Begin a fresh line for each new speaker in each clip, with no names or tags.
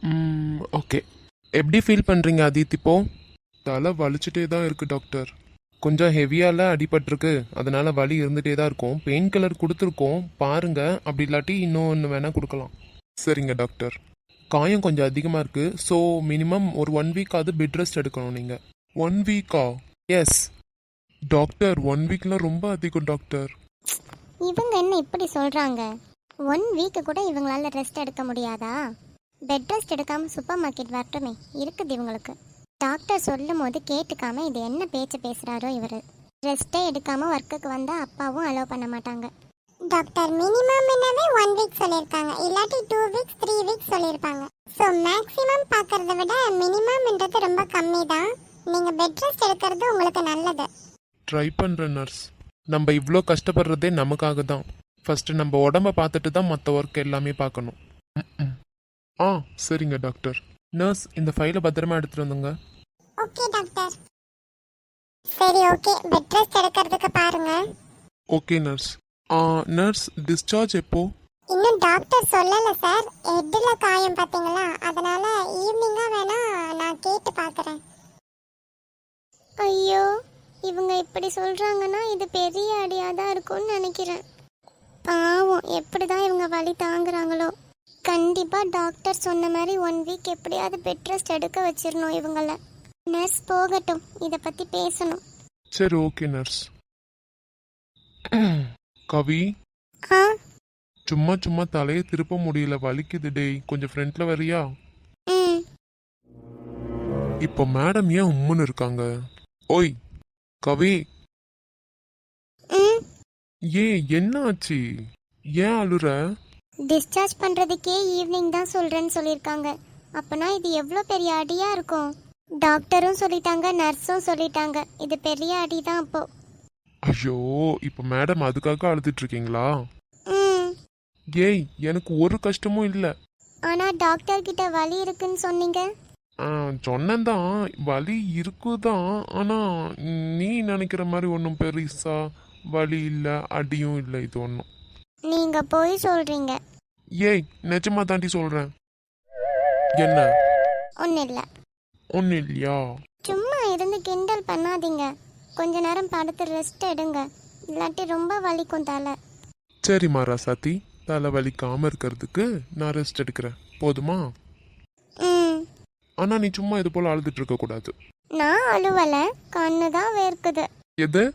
Okay. எப்படி feel பண்ணுறீங்க அதித் இப்போ? தலை வலிச்சுட்டே தான் இருக்குது டாக்டர். கொஞ்சம் ஹெவியால அடிபட்டிருக்கு, அதனால வலி இருந்துகிட்டே தான் இருக்கும். பெயின் கில்லர் கொடுத்துருக்கோம் பாருங்க, அப்படி இல்லாட்டி இன்னொன்று வேணால் கொடுக்கலாம். சரிங்க டாக்டர். காயம் கொஞ்சம் அதிகமாக இருக்குது, ஸோ மினிமம் ஒரு 1 வீக்காவது பெட் ரெஸ்ட் எடுக்கணும் நீங்கள். 1 வீக்கா? எஸ் டாக்டர், 1 வீக்லாம் ரொம்ப அதிகம் டாக்டர்.
இவங்க என்ன இப்படி சொல்கிறாங்க? 1 வீக்கு கூட இவங்களால ரெஸ்ட் எடுக்க முடியாதா? பெட் ரெஸ்ட் எடுக்காமல் சூப்பர் மார்க்கெட் வரட்டுமே, இருக்குது இவங்களுக்கு. டாக்டர் சொல்லும் போது கேட்டுக்காம இது என்ன பேச்சு பேசுகிறாரோ இவர். ரெஸ்ட்டே எடுக்காமல் ஒர்க்குக்கு வந்தால் அப்பாவும் அலோவ் பண்ண மாட்டாங்க. டாக்டர் மினிமம் 1 வீக் சொல்லியிருக்காங்க, இல்லாட்டி 2 வீக்ஸ் 3 வீக்ஸ் சொல்லியிருப்பாங்க. ஸோ மேக்ஸிமம் பார்க்கறத விட மினிமம்ன்றது ரொம்ப கம்மி தான். நீங்கள் பெட் ரெஸ்ட் எடுக்கிறது உங்களுக்கு நல்லது.
ட்ரை பண்ணுறேன் நர்ஸ். நம்ம இவ்வளோ கஷ்டப்படுறதே நமக்காக தான். ஃபஸ்ட்டு நம்ம உடம்ப பார்த்துட்டு தான் மற்ற ஒர்க் எல்லாமே பார்க்கணும். ம். ஆ சரிங்க டாக்டர். நர்ஸ், இந்த ஃபைலை பத்திரமா எடுத்துகிட்டு வந்துங்க.
Okay doctor. சரி ஓகே, பெட் ரெஸ்ட் எடுக்கிறதுக்கு பாருங்க.
Okay nurse. நர்ஸ், டிஸ்சார்ஜ் எப்போ?
இன்னும் டாக்டர் சொல்லல சார். ஹெட்டில் காயம் பார்த்தீங்களா, அதனால ஈவினிங்காக வேணா நான் கேட்டு பார்க்குறேன். ஐயோ, இவங்க இப்படி சொல்கிறாங்கன்னா இது பெரிய அடியாக தான் இருக்கும்னு நினைக்கிறேன். பாவம், எப்படி தான் இவங்க வலி தாங்குறாங்களோ. கண்டிப்பாக டாக்டர் சொன்ன மாதிரி 1 வீக் எப்படியாவது பெட் ரெஸ்ட் எடுக்க வச்சிடணும் இவங்கள. நர்ஸ் போகட்டும், இதை பற்றி பேசணும்.
சரி ஓகே நர்ஸ். கவி,
ஆ
சும்மா சும்மா தலையை திருப்ப முடியல, வலிக்குது டேய். கொஞ்சம் ஃப்ரண்ட்ல வரியா?
ம்
இப்போ மேடம் ஏன் உம்முன்னு இருக்காங்க? ஓய் கவி,
ம்
என்ன ஆச்சு? ஏன் அழுற?
டிஸ்சார்ஜ் பண்ணுறதுக்கே ஈவினிங் தான் சொல்கிறேன்னு சொல்லியிருக்காங்க. அப்போனா இது எவ்வளோ பெரிய அடியாக இருக்கும்? டாக்டரும் சொல்லிட்டாங்க, நர்ஸும் சொல்லிட்டாங்க, இது பெரிய அடி தான் அப்போ.
ஐயோ, இப்போ மேடம் அதுக்காக அழுதுட்டு இருக்கீங்களா?
ம்
ஏய், எனக்கு ஒரு கஷ்டமும் இல்லை.
ஆனால் டாக்டர் கிட்ட வலி இருக்குன்னு சொன்னீங்க.
சொன்னதான், வலி இருக்குதான். ஆனால் நீ நினைக்கிற மாதிரி ஒன்றும் பெருசா வலி இல்லை, அடியும் இல்லை. இது ஒன்றும்.
நீங்கள் போய் சொல்கிறீங்க.
ஏய், நிஜமா தாண்டி சொல்கிறேன். என்ன?
ஒன்றும் இல்லை.
ஒன்றும் இல்லையா?
சும்மா இருந்து கிண்டல் பண்ணாதீங்க. கொஞ்ச நேரம் படுத்து ரெஸ்ட் எடுங்க, இல்லாட்டி ரொம்ப வலிக்கும் தலை.
சரிம்மா ராசாத்தி, தலை வலிக்காமல் இருக்கிறதுக்கு நான் ரெஸ்ட் எடுக்கிறேன், போதுமா?
ம்
ஆனால் நீ சும்மா இது போல் அழுதுட்டு இருக்கக்கூடாது.
நான் அழுவலை, கண்ணு தான் வேர்க்குது.
எது?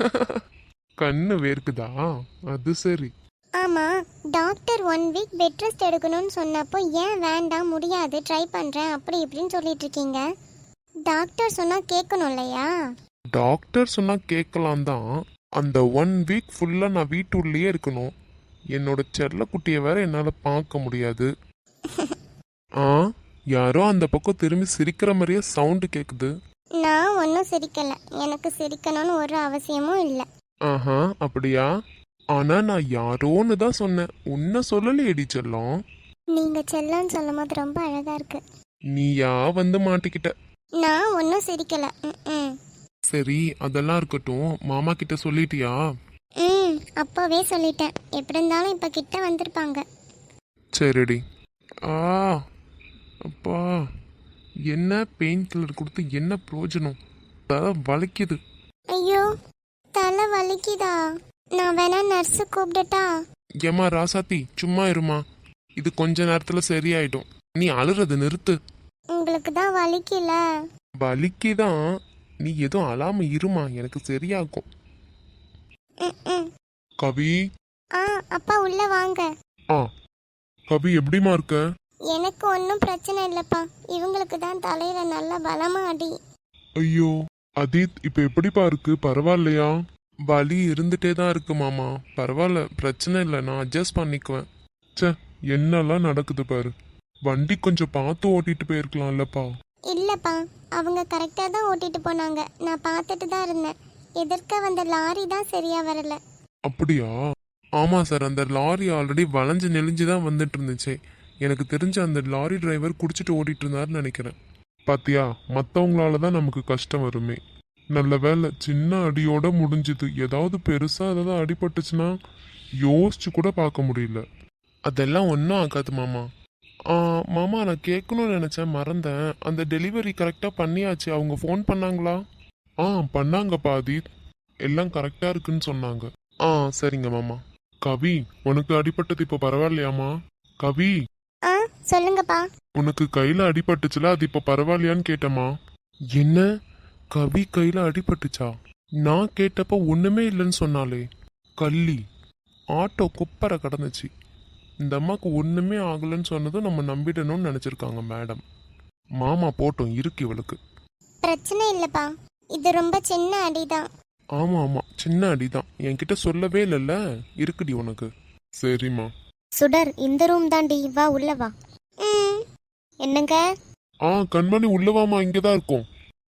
கண்ணு வேர்க்குதா? அது சரி.
ஆமாம், டாக்டர் 1 வீக் பெட் ரெஸ்ட் எடுக்கணும்னு சொன்னப்போ ஏன் வேண்டாம், முடியாது, ட்ரை பண்ணுறேன் அப்படி இப்படின்னு சொல்லிட்டு இருக்கீங்க. டாக்டர் சொன்னால் கேட்கணும் இல்லையா?
டாக்டர் சொன்னால் கேட்கலாம் தான். அந்த 1 வீக் ஃபுல்லாக நான் வீட்டுள்ளேயே இருக்கணும். என்னோட செல்லக்குட்டியை வேற என்னால் பார்க்க முடியாது. ஆ, யாரோ அந்த பக்கம் திரும்பி சிரிக்கிற மாதிரியே சவுண்டு கேட்குது.
நான் ஒன்றும் சிரிக்கலை, எனக்கு சிரிக்கணும்னு ஒரு அவசியமும் இல்லை.
ஆஹா, அப்படியா? ஆனா நான் யாரோன்னு தான் சொன்னேன், உன்னை சொல்லலையேடி செல்லம்.
நீங்கள் செல்லன்னு சொல்லும் போது ரொம்ப அழகாக இருக்கு.
நீயா வந்து மாட்டிக்கிட்ட.
நான் ஒன்றும் சிரிக்கலை. ம்
சரி, அதெல்லாம் இருக்கட்டும். மாமா கிட்ட சொல்லிட்டியா?
ம் அப்போவே சொல்லிட்டேன். எப்படி இருந்தாலும் இப்போ கிட்ட வந்திருப்பாங்க.
சரிடி. ஆ, அப்பா, என்ன பெயின் கில்லர் கொடுத்து என்ன பிரயோஜனம்? தலை வலிக்குது.
ஐயோ, தலை வலிக்குதா? நான் வேணா நர்ஸு கூப்பிடட்டா?
ஏமா ராசாத்தி, சும்மா இருமா. இது கொஞ்ச நேரத்துல சரியாயிடும். நீ அழுறது நிறுத்து.
உங்களுக்கு தான் வலிக்கல.
வலிக்குதான், நீ எதுவும் அழாம இருமா, எனக்கு சரியாகும்.
ம்
கவி.
ஆ அப்பா உள்ள வாங்க.
ஆ, கவி எப்படிமா இருக்க?
எனக்கு ஒன்றும் பிரச்சனை இல்லைப்பா, இவங்களுக்கு தான் தலையில நல்ல பலமா அடி.
ஐயோ அதீத், இப்ப எப்படிப்பா இருக்கு? பரவாயில்லையா? வலி இருந்துட்டே தான் இருக்கு மாமா. பரவாயில்ல, பிரச்சனை இல்லை, நான் அட்ஜஸ்ட் பண்ணிக்குவேன். ச்சே, என்னெல்லாம் நடக்குது பாரு. வண்டி கொஞ்சம் பார்த்து ஓட்டிட்டு போயிருக்கலாம்லப்பா.
இல்லைப்பா, அவங்க கரெக்டாக தான் ஓட்டிட்டு போனாங்க, நான் பார்த்துட்டு தான் இருந்தேன். எதிர்க்க வந்த லாரி தான் சரியா வரல.
அப்படியா? ஆமா சார், அந்த லாரி ஆல்ரெடி வளைஞ்சு நெளிஞ்சு தான் வந்துட்டு இருந்துச்சு. எனக்கு தெரிஞ்ச அந்த லாரி டிரைவர் குடிச்சிட்டு ஓட்டிட்டு இருந்தாருன்னு நினைக்கிறேன். பாத்தியா, மற்றவங்களால தான் நமக்கு கஷ்டம் வருமே. நல்ல வேலை, சின்ன அடியோட முடிஞ்சுது. ஏதாவது பெருசா ஏதாவது அடிபட்டுச்சுன்னா யோசிச்சு கூட பார்க்க முடியல. அதெல்லாம் ஒன்றும் ஆகாது மாமா. மாமா நான் கேட்கணும்னு நினச்சேன் மறந்தேன். அந்த டெலிவரி கரெக்டாக பண்ணியாச்சு. அவங்க ஃபோன் பண்ணாங்களா? பண்ணாங்கப்பா அதீத். எல்லாம் கரெக்டாக இருக்குன்னு சொன்னாங்க. சரிங்க மாமா. கவி, உனக்கு அடிபட்டது இப்போ பரவாயில்லையாமா? கவி,
ஆ சொல்லுங்கப்பா.
உனக்கு கையில் அடிபட்டுச்சுல, அது இப்போ பரவாயில்லையான்னு கேட்டேம்மா. என்ன? கவி கையில் அடிபட்டுச்சா? நான் கேட்டப்ப ஒன்றுமே இல்லைன்னு சொன்னாலே. கள்ளி, ஆட்டோ குப்பரை கடந்துச்சு. இந்த அம்மாவுக்கு ஒன்றுமே ஆகலைன்னு சொன்னதும் நம்ம நம்பிடணும்னு நினச்சிருக்காங்க மேடம். மாமா போட்டோம் இருக்கு இவளுக்கு.
பிரச்சனை இல்லைப்பா, இது ரொம்ப சின்ன அடிதான்.
ஆமாம் சின்ன அடிதான். என்கிட்ட சொல்லவே இல்லைல்ல. இருக்குடி உனக்கு. சரிம்மா.
சுடர், இந்த ரூம் தாண்டி, வா உள்ள வா. என்னங்க?
கண்மணி உள்ளவாமா, இங்கே தான் இருக்கோம்.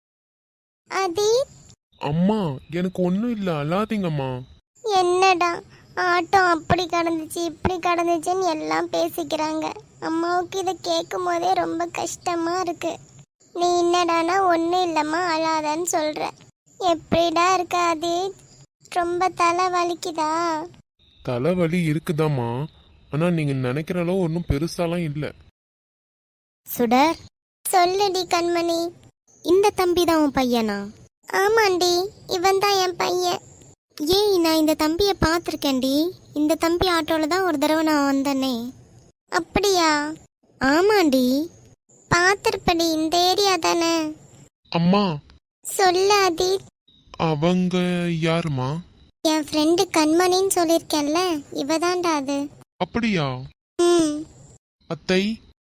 அதி,
அம்மா எனக்கு ஒன்றும் இல்லை, அழாதீங்கம்மா.
என்னடா ஆட்டோ அப்படி கடந்துச்சு இப்படி கடந்துச்சுன்னு எல்லாம் பேசிக்கிறாங்க. அம்மாவுக்கு இதை கேட்கும் போதே ரொம்ப கஷ்டமா இருக்கு. நீ என்னடானா ஒன்றும் இல்லைம்மா அழாதன்னு சொல்ற. எப்படிடா இருக்க அது? ரொம்ப தலை வலிக்குதா?
தலைவலி இருக்குதாம்மா, ஆனால் நீங்கள் நினைக்கிற அளவு ஒன்றும் பெருசாலாம் இல்லை.
சுடர், சொல்லுடி கண்மணி. இந்த தம்பி தான் உன் பையனா? ஆமாண்டி, இவன் தான் என் பையன். ஏய், நான் இந்த தம்பியை பார்த்துருக்கேன்டி. இந்த தம்பி ஆட்டோவில் தான் ஒரு தடவை நான் வந்தேனே. அப்படியா? ஆமாண்டி, பார்த்துருப்படி. இந்த ஏரியா தானே?
அம்மா,
சொல்லு அதி.
அவங்க யாருமா?
என் ஃப்ரெண்டு கண்மணின்னு சொல்லியிருக்கேன்ல, இவ தான்டா அது.
அப்படியா?
ம்.
அத்தை,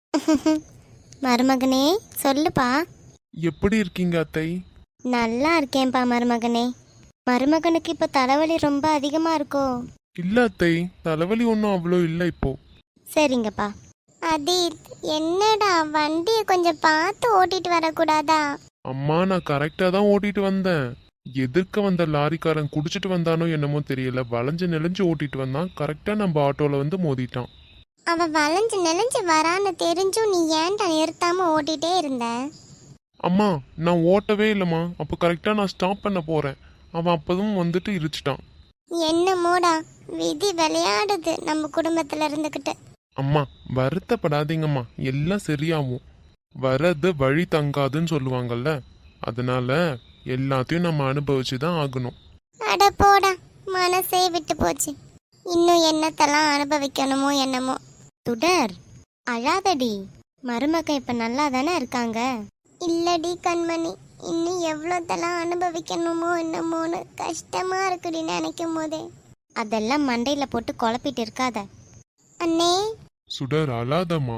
மருமகனே சொல்லுப்பா.
எப்படி இருக்கீங்க அத்தை?
நல்லா இருக்கேன்ப்பா மருமகனே. மருமகனுக்கு இப்போ தலைவலி ரொம்ப அதிகமாக இருக்கோ?
இல்லை அத்தை, தலைவலி ஒன்றும் அவ்வளோ இல்லை இப்போ.
சரிங்கப்பா. அதீத், என்னடா வண்டியை கொஞ்சம் பார்த்து ஓட்டிட்டு வரக்கூடாதா?
அம்மா நான் கரெக்டாக தான் ஓட்டிட்டு வந்தேன். எதிர்க்க வந்த லாரிக்காரன் குடிச்சிட்டு வந்தானோ என்னமோ தெரியல, வளைஞ்சு நெளிஞ்சு ஓட்டிட்டு வந்தான். கரெக்டாக நம்ம ஆட்டோவில் வந்து மோதிட்டான்.
அவன் வளைஞ்சு நெளிஞ்சு வரான்னு தெரிஞ்சும் நீ ஏன்டா நிறுத்தாம ஓட்டிட்டே இருந்த?
அம்மா நான் ஓட்டவே இல்லைம்மா. அப்போ கரெக்டாக நான் ஸ்டாப் பண்ண போகிறேன். அவன் அப்போதும் வந்துட்டு இடிச்சிட்டான்.
என்னமோடா, விதி விளையாடுது நம்ம குடும்பத்துல இருந்துக்கிட்டு.
அம்மா வருத்தப்படாதீங்கம்மா, எல்லாம் சரியாகும். வர்றது வழி தங்காதுன்னு சொல்லுவாங்கல்ல, அதனால எல்லாத்தையும் நம்ம அனுபவிச்சு தான் ஆகணும்.
அட போடா, மனசே விட்டு போச்சு. இன்னும் என்னத்தெல்லாம் அனுபவிக்கணுமோ என்னமோ. சுடர், அழாதடி. மருமகன் இப்ப நல்லா தானே இருக்காங்க? இல்லடி கண்மணி, இன்னும் எவ்வளோத்தெல்லாம் அனுபவிக்கணுமோ என்னமோன்னு கஷ்டமா இருக்குடி நினைக்கும் போதே. அதெல்லாம் மண்டையில போட்டு குழப்பிட்டு இருக்காத. அண்ணே.
சுடர் அழாதம்மா.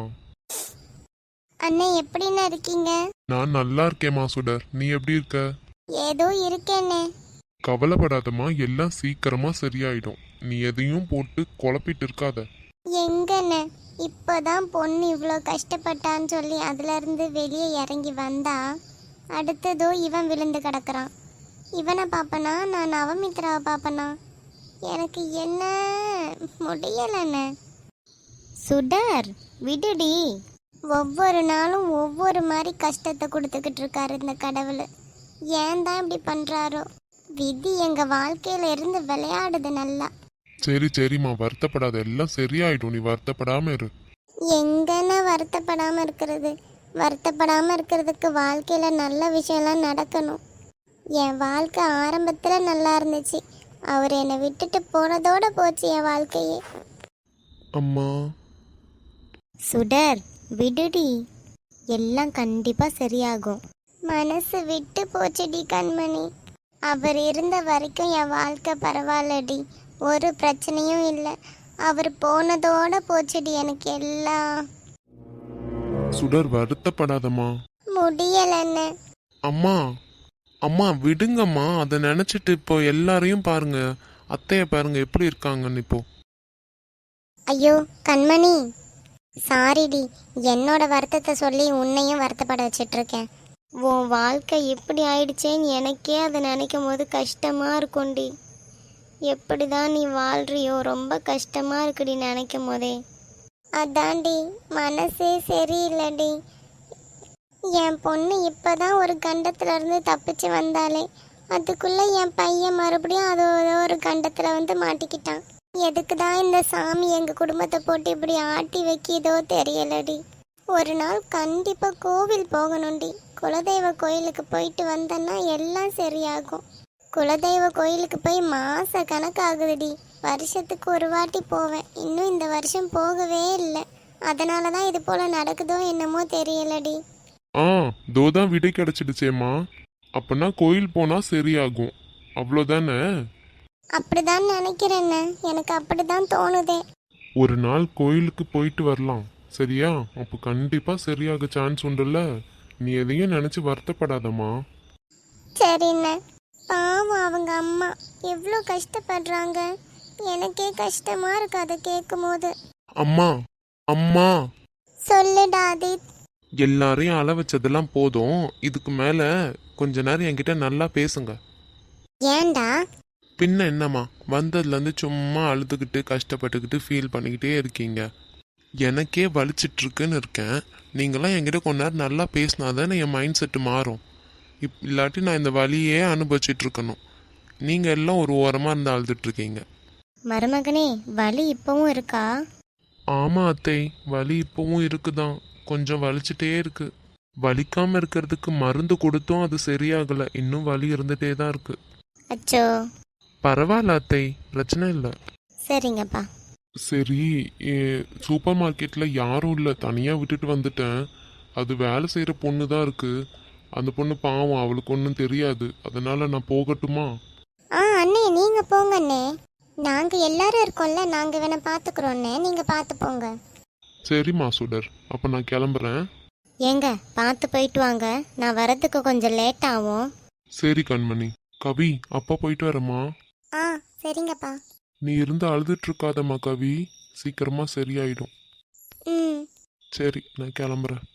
அண்ணே எப்படின்னு இருக்கீங்க?
நான் நல்லா இருக்கேம்மா. சுடர் நீ எப்படி இருக்க?
ஏதோ இருக்கேண்ணே.
கவலைப்படாதம்மா, எல்லாம் சீக்கிரமா சரியாயிடும். நீ எதையும் போட்டு குழப்பிட்டு இருக்காத.
எங்கண்ணே, இப்போதான் பொண்ணு இவ்வளோ கஷ்டப்பட்டான்னு சொல்லி அதுல இருந்து வெளியே இறங்கி வந்தா, அடுத்ததோ இவன் விழுந்து கிடக்குறான். இவனை பார்ப்பனா நான் நவமித்ராவை பார்ப்பனா? எனக்கு என்ன முடியலண்ணே. சுடர் விடுடி. ஒவ்வொரு நாளும் ஒவ்வொரு மாதிரி கஷ்டத்தை கொடுத்துக்கிட்டு இருக்காரு இந்த கடவுள். ஏன் தான் இப்படி பண்றாரோ? விதி எங்க வாழ்க்கையில இருந்து விளையாடுது நல்லா.
சரிம்மா வருத்தப்படாத, எல்லாம் சரியாயிடும். நீ வருத்தப்படாம இரு.
எங்கன்னா வருத்தப்படாம இருக்கிறது? வருத்தப்படாம இருக்கிறதுக்கு வாழ்க்கையில நல்ல விஷயம்லாம் நடக்கணும். என் வாழ்க்கை ஆரம்பத்துல நல்லா இருந்துச்சு, அவர் என்னை விட்டுட்டு போனதோட போச்சு என் வாழ்க்கையே.
அம்மா.
சுடர் விடுடி, எல்லாம் கண்டிப்பா சரியாகும். மனசு விட்டு போச்சுடி கண்மணி. அவர் இருந்த வரைக்கும் என் வாழ்க்கை பரவாயில்லடி, ஒரு பிரச்சனையும் இல்லை. அவர் போனதோட போச்சுடி எனக்கு எல்லாம்.
சுடர் வருத்தப்படாதம்மா.
முடியலன்னு.
அம்மா அம்மா விடுங்கம்மா. அதை நினைச்சிட்டு இப்போ எல்லாரையும் பாருங்க, அத்தைய பாருங்க எப்படி இருக்காங்கன்னு இப்போ.
ஐயோ கண்மணி, சாரிடி. என்னோட வருத்தத்தை சொல்லி உன்னையும் வருத்தப்பட வச்சிட்டு இருக்கேன். உன் வாழ்க்கை எப்படி ஆயிடுச்சேன்னு எனக்கே அதை நினைக்கும் போது கஷ்டமா இருக்கும்டி. எப்படிதான் நீ வாழ்றியோ, ரொம்ப கஷ்டமா இருக்குடி நினைக்கும் போதே. அதான்டி மனசே சரியில்லைடி. என் பொண்ணு இப்பதான் ஒரு கண்டத்துல இருந்து தப்பிச்சு வந்தாலே, அதுக்குள்ள என் பையன் மறுபடியும் அது ஒரு கண்டத்துல வந்து மாட்டிக்கிட்டான். எதுக்கு தான் இந்த சாமி எங்க குடும்பத்தை போட்டு இப்படி ஆட்டி வைக்கிதோ தெரியலடி. ஒரு நாள் கண்டிப்பா கோவில் போகணும்டி. குலதெய்வ கோயிலுக்கு போயிட்டு வந்தேன்னா எல்லாம் சரியாகும். குலதெய்வ கோயிலுக்கு போய் மாச கணக்காகுதுடி. வருஷத்துக்கு ஒரு வாட்டி போவேன். இன்னும் இந்த வருஷம் போகவே இல்லை. அதனால தான் இது போல நடக்குதோ என்னமோ தெரியலடி.
ஆ தோதான் விடை கிடைச்சிடுச்சேம்மா. அப்பனா கோயில் போனா சரியாகும், அவ்வளோதானே?
அப்படிதான் நினைக்கிறேன்னு, எனக்கு அப்படிதான் தோணுதே.
ஒரு நாள் கோயிலுக்கு போயிட்டு வரலாம், சரியா? அப்போ கண்டிப்பா சரியாக சான்ஸ் உண்டுல்ல. நீ எதையும் நினைச்சு வருத்தப்படாதம்மா.
சரிண்ணே. பாவம் அவங்க அம்மா எவ்வளோ கஷ்டப்படுறாங்க. எனக்கே கஷ்டமா இருக்கு அதை கேட்கும் போது.
அம்மா அம்மா,
சொல்லுடா ஆதித்.
எல்லாரையும் அள வச்சதெல்லாம் போதும். இதுக்கு மேல கொஞ்ச நேரம் என்கிட்ட நல்லா பேசுங்க.
ஏன்டா?
பின்ன என்னம்மா, வந்ததுலேருந்து சும்மா அழுதுகிட்டு கஷ்டப்பட்டுக்கிட்டு ஃபீல் பண்ணிக்கிட்டே இருக்கீங்க. எனக்கே வலிச்சிட்டு இருக்குன்னு இருக்கேன். நீங்களாம் என்கிட்ட கொஞ்ச நேரம் நல்லா பேசினா தானே என் மைண்ட் செட்டு மாறும். இல்லாட்டி நான் இந்த வலியே அனுபவிச்சுட்டு இருக்கணும். நீங்கள் எல்லாம் ஒரு ஓரமாக இருந்து அழுதுட்டு இருக்கீங்க.
மருமகனே, வலி இப்பவும் இருக்கா?
ஆமாம் அத்தை, வலி இப்போவும் இருக்குதான். கொஞ்சம் வலிச்சிட்டே இருக்கு. வலிக்காமல் இருக்கிறதுக்கு மருந்து கொடுத்தும் அது சரியாகலை. இன்னும் வலி இருந்துகிட்டே தான் இருக்கு.
அச்சோ.
பரவாயில்ல அத்தை, பிரச்சனை இல்லை.
சரிங்கப்பா.
சரி, சூப்பர் மார்க்கெட்டில் யாரும் இல்லை, தனியாக விட்டுட்டு வந்துட்டேன். அது வேலை செய்கிற பொண்ணு தான் இருக்கு. அந்த பொண்ணு பாவம், அவளுக்கு ஒன்றும் தெரியாது. அதனால நான் போகட்டுமா?
அண்ணே, நீங்க போங்க அண்ணே. நாங்க எல்லாரும் இருக்கோம்ல, நாங்க வேணா பாத்துக்கிறோன்னே, நீங்க பாத்து போங்க.
சரிம்மா சுடர், அப்போ நான் கிளம்புறேன்.
ஏங்க, பார்த்து போயிட்டு வாங்க. நான் வரதுக்கு கொஞ்சம் லேட் ஆகும்.
சரி கண்மணி. கவி, அப்பா போயிட்டு வரேம்மா.
சரிங்கப்பா.
நீ இருந்து அழுதுட்டு இருக்காதம்மா கவி, சீக்கிரமா சரியாயிடும்.
ம்.
சரி, நான் கிளம்புறேன்.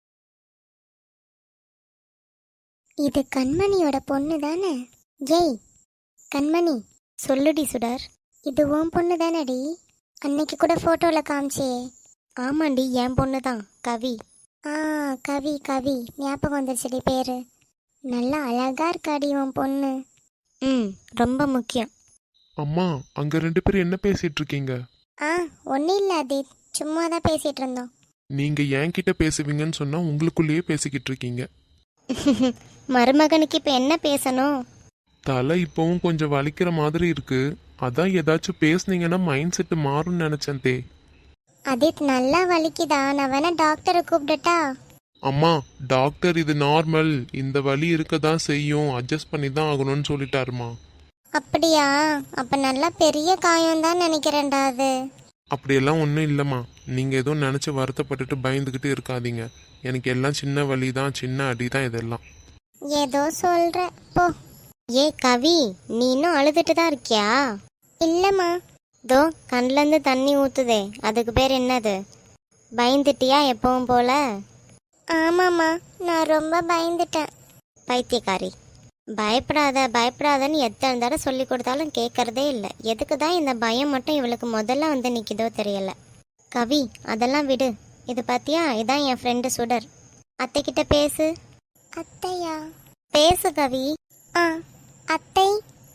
இது கண்மணியோட பொண்ணு தானே? ஏய் கண்மணி, சொல்லுடி சுடர். இது உன் பொண்ணு தானடி? அன்னைக்கு கூட போட்டோல காமிச்சே. ஆமாண்டி, என் பொண்ணு தான், கவி. கவி கவி, ஞாபகம் வந்துருச்சுடி பேரு. நல்லா அழகா இருக்காடி உன் பொண்ணு. ரொம்ப முக்கியம்.
அம்மா, அங்கே 2 பேரும் என்ன பேசிட்டு இருக்கீங்க?
ஒன்றும் இல்லை அதீத், சும்மா தான் பேசிட்டு இருந்தோம்.
நீங்கள் என்கிட்ட பேசுவீங்கன்னு சொன்னால் உங்களுக்குள்ளேயே பேசிக்கிட்டு இருக்கீங்க.
மருமகனுக்கு இப்போ என்ன பேசணும்?
தலை இப்போவும் கொஞ்சம் வலிக்கிற மாதிரி இருக்கு. அதான் ஏதாச்சும் பேசுனீங்கன்னா மைண்ட் செட்டு மாறும்னு நினைச்சேன் தே.
அதீத், நல்லா வலிக்குதா? நான் வேணா டாக்டரை கூப்பிடட்டா?
அம்மா, டாக்டர் இது நார்மல், இந்த வலி இருக்க தான் செய்யும், அட்ஜஸ்ட் பண்ணி தான் ஆகணும்னு சொல்லிட்டாருமா.
அப்படியா? அப்ப நல்லா பெரிய காயம் தான் நினைக்கிறேன்டா அது.
அப்படியெல்லாம் ஒன்றும் இல்லைம்மா. நீங்கள் எதுவும் நினச்சி வருத்தப்பட்டுட்டு பயந்துக்கிட்டு இருக்காதீங்க. எனக்கு எல்லாம் சின்ன வலி தான், சின்ன அடி தான் இதெல்லாம்.
ஏதோ சொல்ற போ. ஏ கவி, நீ இன்னும் அழுதுட்டு தான் இருக்கியா? இல்லம்மா. தோ கண்லேருந்து தண்ணி ஊத்துதே, அதுக்கு பேர் என்னது? பயந்துட்டியா எப்பவும் போல? ஆமாம்மா, நான் ரொம்ப பயந்துட்டேன். பைத்தியக்காரி, பயப்படாத பயப்படாதன்னு எத்தனை தடவை சொல்லி கொடுத்தாலும் கேட்கறதே இல்லை. எதுக்கு தான் இந்த பயம் மட்டும் இவளுக்கு முதல்ல வந்து நிற்கிதோ தெரியல. கவி, அதெல்லாம் விடு. இது பார்த்தியா, இதான் என் ஃப்ரெண்டு சுடர். அத்தைக்கிட்ட பேசு. அத்தையா? பேசு கவி. அத்தை.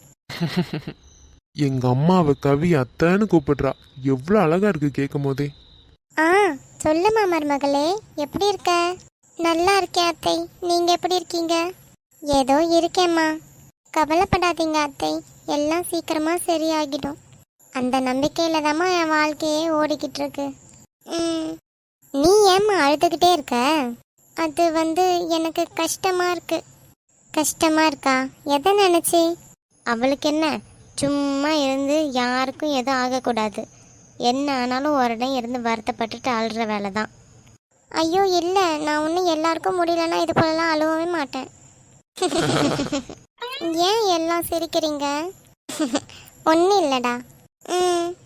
எங்க அம்மாவை கவி அத்தைன்னு கூப்பிடுறா. எவ்வளோ அழகா இருக்கு கேட்கும் போதே.
சொல்லுமா மருமகளே, எப்படி இருக்க? நல்லா இருக்கேன் அத்தை, நீங்க எப்படி இருக்கீங்க? ஏதோ இருக்கேம்மா. கவலைப்படாதீங்க அத்தை, எல்லாம் சீக்கிரமா சரியாகிடும். அந்த நம்பிக்கையில தாம்மா என் வாழ்க்கையே ஓடிக்கிட்டு இருக்கு. நீ ஏம்மா அழுதுகிட்டே இருக்க? அது எனக்கு கஷ்டமா இருக்கு. கஷ்டமா இருக்கா? எதை நினைச்சி? அவளுக்கு என்ன, சும்மா இருந்து யாருக்கும் எதுவும் ஆகக்கூடாது. என்ன ஆனாலும் உடனே இருந்து வருத்தப்பட்டுட்டு அழுற வேலை தான். ஐயோ இல்லை, நான் ஒன்றும் எல்லாருக்கும் முடியலன்னா இது போலலாம் அழுவவே மாட்டேன். ஏன் எல்லாம் சிரிக்கிறீங்க? ஒன்றும் இல்லைடா.